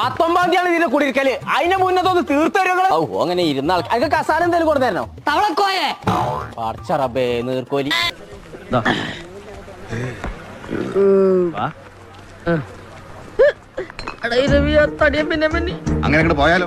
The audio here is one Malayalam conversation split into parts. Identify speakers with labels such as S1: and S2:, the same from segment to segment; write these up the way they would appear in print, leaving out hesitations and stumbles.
S1: 19 ഇതിന്റെ കുടിയിരിക്കല്. അതിന്റെ മുന്നത്തൊന്ന് തീർത്തരുകള്. ഓ അങ്ങനെ ഇരുന്ന ആൾക്ക് കസാല എന്തെങ്കിലും കൊടുത്തരണോ?
S2: തവളക്കോയെ
S1: പടച്ചറബേ നീർക്കോലി.
S3: അങ്ങനെ പോയാലോ?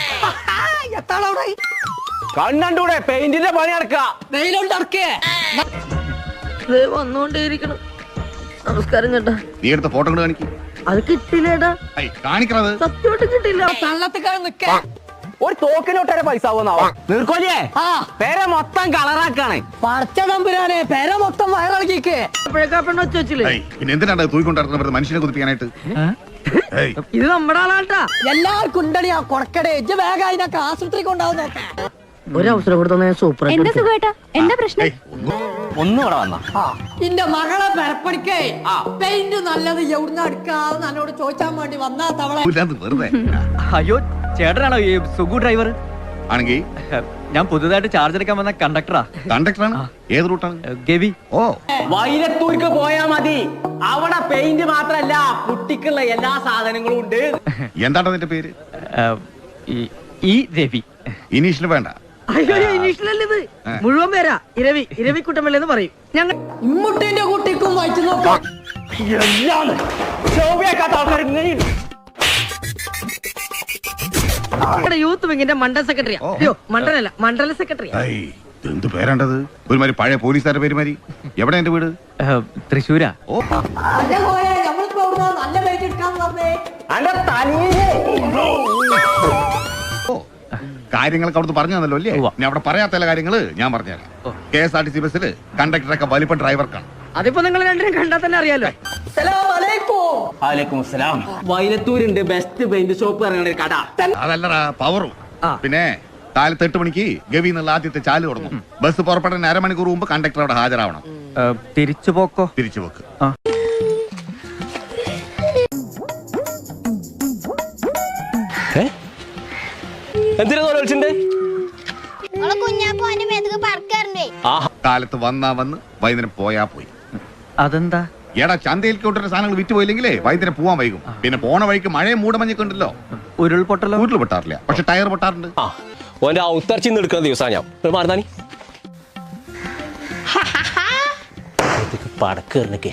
S1: കണ്ണൂടെ പെയിന്റിന്റെ പണി നടക്ക.
S2: വെയിലുണ്ടേ വന്നോണ്ടേയിരിക്കണം. നമസ്കാരം കേട്ടാ.
S3: നീ എടുത്ത ഫോട്ടോ കൊണ്ട് കാണിക്കും.
S2: അത് കിട്ടില്ലേടാ.
S3: കാണിക്കണത്
S2: സത്യമായിട്ട് കിട്ടില്ല. തള്ളത്തിക്കാരൻ നിക്ക.
S1: ഒരു തോക്കിനൊട്ടരെ പൈസ ആവുന്നാവോ നീർക്കോലിയേ? പേരെ മൊത്തം കളറാക്കാണ്.
S2: പറിച്ച തമ്പുരാനെ പേര മൊത്തം വയറിളക്കിക്ക്. പെണ്ണ വെച്ച് വെച്ചില്ലേ?
S3: പിന്നെ എന്തിനാണ് തൂക്കൊണ്ടിരുന്നത് മനുഷ്യനെ കുതിപ്പിക്കാനായിട്ട്?
S2: ഇത് നമ്മുടെ ആളാട്ടാ. എല്ലാവർക്കും ഉണ്ടടിയാ കൊടക്കടേ. വേഗം അതിനൊക്കെ ആശുപത്രി കൊണ്ടാവും നോക്കാം. ഒരു അവസരം കൊടുത്ത സൂപ്പർ.
S4: എന്താ സുഖേട്ടാ? എന്താ പ്രശ്നം?
S1: ഒന്നും ഇവിടെ വന്ന
S2: എന്റെ മകളെ പെരപ്പടിക്കേ പെയിന്റ് നല്ലത് എവിടുന്ന് എടുക്കാതെ നല്ലോട് ചോദിച്ചാൻ വേണ്ടി വന്നാ തവള.
S3: വെറുതെ
S5: അയ്യോ ചേട്ടനാണോ ഈ സുഗു ഡ്രൈവർ?
S3: ആണെങ്കിൽ
S5: ഞാൻ പുതുതായിട്ട് ചാർജ് എടുക്കാൻ വന്ന കണ്ടക്ടറാ.
S3: കണ്ടക്ടറാണ്. ഏത് റൂട്ടാണ്?
S5: ഗവി.
S3: ഓ
S1: വൈലത്തൂർക്ക് പോയാ മതി. അവിടെ പെയിന്റ് മാത്രല്ല കുട്ടിക്കുള്ള എല്ലാ സാധനങ്ങളും ഉണ്ട്.
S3: എന്താണ് അതിന്റെ പേര്?
S5: ഈ രവി.
S3: ഇനീഷ്യൽ വേണ്ട.
S2: അയ്യോ ഇനീഷ്യലല്ലേ ഇത്. മുഴുവൻ പേരാ ഇരവി. ഇരവിക്കുട്ടമല്ലെന്ന് പറയും ഞങ്ങൾ. ഇമ്മുട്ടിന്റെ കുട്ടിക്കും വായിച്ചു നോക്കാം.
S1: എല്ലാം ശോഭിയാക്കാത്ത ആൾക്കാർ ഇങ്ങനെയുണ്ട്.
S2: യൂത്ത് വിങ്ങിന്റെ മണ്ഡല സെക്രട്ടറിയാ. അയ്യോ മണ്ഡലല്ല മണ്ഡല സെക്രട്ടറിയാ.
S3: എന്ത് പേരാണ്ടത്? ഒരുമാതിരി പഴയ പോലീസുകാരുടെ പേരുമാരി. എവിടെ എന്റെ വീട്?
S5: തൃശ്ശൂരാ.
S3: ഓ
S2: നമ്മളിപ്പോ നല്ല പേര് എടുക്കാന്ന് പറഞ്ഞേ.
S1: അന്റെ തലയിലേ
S3: കാര്യങ്ങളൊക്കെ അവിടുന്ന് പറഞ്ഞു തന്നല്ലോ അല്ലേ? ഞാൻ അവിടെ പറയാത്ത ചില കാര്യങ്ങള് ഞാൻ പറഞ്ഞുതരാം. KSRTC ബസ്സിൽ കണ്ടക്ടറൊക്കെ വലിപ്പ ഡ്രൈവർക്കാണ്.
S2: അതിപ്പോ നിങ്ങൾ രണ്ടിനും കണ്ടാൽ തന്നെ അറിയാലോ.
S1: വൈലത്തൂരുണ്ട് ബെസ്റ്റ് പെയിന്റ് ഷോപ്പ് ഇറങ്ങുന്ന ഒരു കട.
S3: അതല്ലടാ പവറും. പിന്നെ കാലത്ത് 8 മണിക്ക് ഗവി എന്നുള്ള ആദ്യത്തെ ചാല് തുടങ്ങും. ബസ് പുറപ്പെടുന്ന അരമണിക്കൂർ മുമ്പ് കണ്ടക്ടർ അവിടെ ഹാജരാവണം.
S5: തിരിച്ചു പോക്കോ?
S3: തിരിച്ചു പോക്ക്.
S1: എന്തിനാ വിളിച്ചിട്ടുണ്ട്?
S3: കാലത്ത് വന്നാ വന്ന് വൈകുന്നേരം പോയാ പോയി.
S5: അതെന്താ?
S3: എടാ ചന്തയിൽ കൊണ്ടുവരുന്ന സാധനങ്ങൾ വിറ്റ് പോയില്ലെങ്കിലേ വൈകുന്നേരം പോവാൻ വൈകും. പിന്നെ പോണ വഴിക്ക് മഴയും മൂടമഞ്ഞൊക്കെ ഉണ്ടല്ലോ.
S5: ഉരുൾപൊട്ടലോ?
S3: വീട്ടിൽ പൊട്ടാറില്ല, പക്ഷെ ടയർ പൊട്ടാറുണ്ട്.
S1: ഓന്റെ ഔത്തർച്ചിന്ന് എടുക്കുന്ന ദിവസാ ഞാൻ മാറുന്നാനി പടക്കേറിനൊക്കെ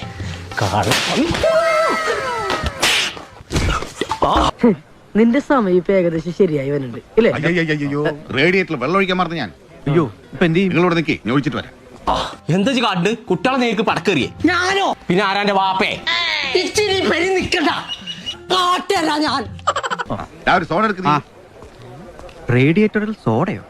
S2: നിന്റെ സമയം ഇപ്പൊ ഏകദേശം ശരിയായി വരുന്നുണ്ട് ഇല്ലേ?
S3: അയ്യോ റേഡിയേറ്ററിൽ വെള്ളം ഒഴിക്കാൻ മറന്നു ഞാൻ.
S5: അയ്യോ ഇപ്പൊ എന്ത് ചെയ്യും?
S3: നിങ്ങളോട് നിൽക്കി, ഞാൻ ഒഴിച്ചിട്ട് വരാം.
S1: എന്താ കാണ്ട് കുട്ടികളെ നേർക്ക് പടക്കേറിയേ?
S2: ഞാനോ?
S1: പിന്നെ ആരാന്റെ വാപ്പേ?
S2: ഇച്ചിരി പരി നിക്കണ്ട. കാട്ടല്ല ഞാൻ.
S3: ഒരു സോഡ എടുക്കുന്ന
S5: റേഡിയേറ്ററിൽ സോഡയോ?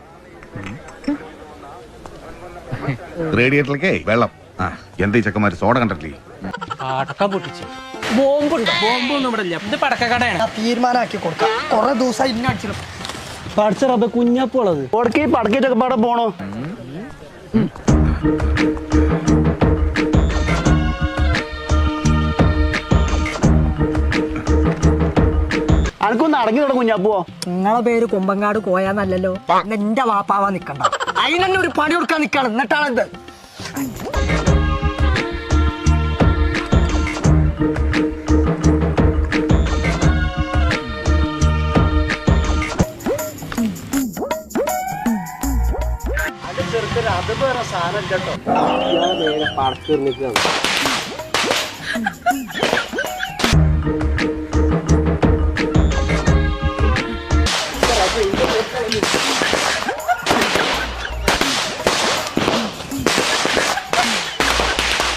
S3: റേഡിയേറ്ററിലേക്കേ വെള്ളം. എന്താ ഈ ചെക്കന്മാര് സോഡ കണ്ടിട്ടില്ലേ?
S1: പടക്കം പൊട്ടിച്ച് ബോംബുണ്ടോ? ബോംബൊന്നും ഇവിടെ ഇല്ല. ഇത് പടക്കക്കടയാണ്.
S2: തീരുമാനാക്കി കൊടുക്കാം. കൊറേ ദിവസം ഇന്നടിച്ചിടും.
S1: പഠിച്ചറബ കുഞ്ഞപ്പുള്ളത് പടക്കിട്ടൊക്കെ പാടെ പോണോ? അനക്കൊന്ന് അടങ്ങി തുടങ്ങും കുഞ്ഞാപ്പോ.
S2: നിങ്ങളെ പേര് കുമ്പങ്ങാട് കോയാന്നല്ലല്ലോ. എന്റെ വാപ്പാവാ നിക്കണ്ട. അതിനെന്നെ ഒരു പണി കൊടുക്കാൻ നിക്കാണ്. എന്നിട്ടാണിത്.
S1: അത് വേറെ സാധനം കേട്ടോ. പടക്കേറി നിൽക്കുകയാണ്.